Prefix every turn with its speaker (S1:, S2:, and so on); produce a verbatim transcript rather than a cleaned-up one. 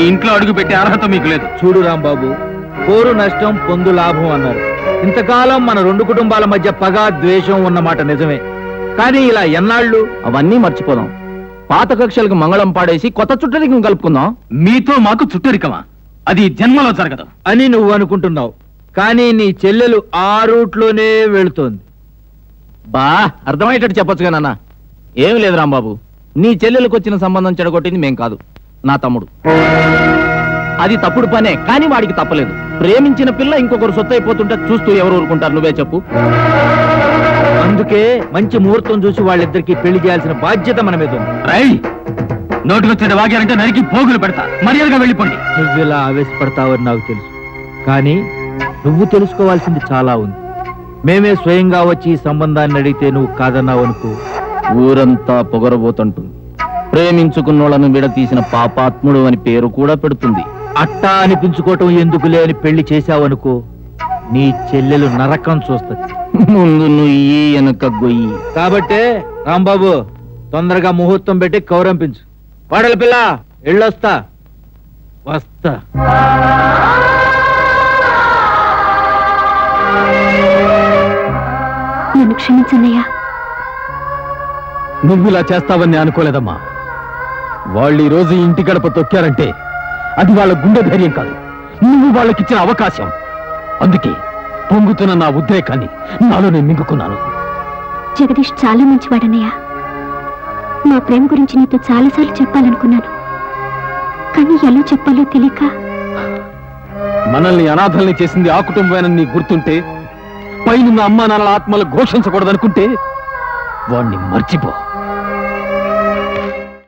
S1: ఇంట్లో అడుగు పెట్టే అర్హత మీకు లేదు.
S2: చూడు రాంబాబు, పోరు నష్టం పొందు లాభం అన్నారు. ఇంతకాలం మన రెండు కుటుంబాల మధ్య పగ ద్వేషం ఉన్నమాట నిజమే, కానీ ఇలా ఎన్నాళ్ళు?
S3: అవన్నీ మర్చిపోదాం. పాత కక్షలకు మంగళం పాడేసి కొత్త చుట్టరికం కలుపుకుందాం.
S1: మీతో మాకు చుట్టరికమా? అది జన్మలో జరగదు
S2: అని నువ్వు అనుకుంటున్నావు, కానీ నీ చెల్లెలు ఆ రూట్లోనే వెళుతోంది.
S3: బా అర్థమయ్యేటట్టు చెప్పొచ్చుగా నాన్న. ఏం లేదు రాంబాబు, నీ చెల్లెలకు వచ్చిన సంబంధం చెడగొట్టింది మేం కాదు, నా తమ్ముడు. అది తప్పుడు పనే, కానీ వాడికి తప్పలేదు. ప్రేమించిన పిల్ల ఇంకొకరు సొత్తు అయిపోతుంటే చూస్తూ ఎవరు ఊరుకుంటారు? నువ్వే చెప్పు.
S2: అందుకే మంచి ముహూర్తం చూసి వాళ్ళిద్దరికి పెళ్లి చేయాల్సిన బాధ్యత మన మీద ఉంది.
S1: రై, నోటికొచ్చేది వాగారంటే నరికి పోగులు పెడతా. మర్యాదగా వెళ్ళిపోండి.
S2: నువ్వు ఇలా ఆవేశపడతావని నాకు తెలుసు, కానీ నువ్వు తెలుసుకోవాల్సింది చాలా ఉంది. మేమే స్వయంగా వచ్చి ఈ సంబంధాన్ని అడిగితే నువ్వు కాదన్నావు అనుకో,
S3: ఊరంతా పొగరబోతుంటుంది. ప్రేమించుకున్నోళ్లను విడతీసిన పాపాత్ముడు అని పేరు కూడా పెడుతుంది.
S2: అట్టా అనిపించుకోవటం ఎందుకులే అని పెళ్లి చేశావనుకో, నీ చెల్లెలు నరకం చూస్తుంది.
S3: ముందు నుయ్యి వెనక గొయ్యి.
S2: కాబట్టే రాంబాబు, తొందరగా ముహూర్తం పెట్టి కౌరంపించు. వాడల పిల్ల, ఎళ్ళొస్తా. వస్తా.
S4: నన్ను క్షమించన్నయ్యా.
S1: నువ్వు ఇలా చేస్తావని అనుకోలేదమ్మా. వాళ్ళు ఈ రోజు ఇంటి గడప తొక్కారంటే అది వాళ్ళ గుండె ధైర్యం కాదు, నువ్వు వాళ్ళకిచ్చిన అవకాశం. అందుకే పొంగుతున్న నా ఉద్రేకాన్ని నాలో నేను మింగుకున్నాను.
S4: జగదీష్ చాలా మంచివాడన్నయ్యా. మా ప్రేమ గురించి నీతో చాలాసార్లు చెప్పాలనుకున్నాను, కానీ ఎలా చెప్పాలో తెలియక.
S1: మనల్ని అనాథల్ని చేసింది ఆ కుటుంబమేనని నీకు గుర్తుంటే, పైనున్న అమ్మా నాన్నల ఆత్మలు ఘోషించకూడదనుకుంటే వాణ్ణి మర్చిపో.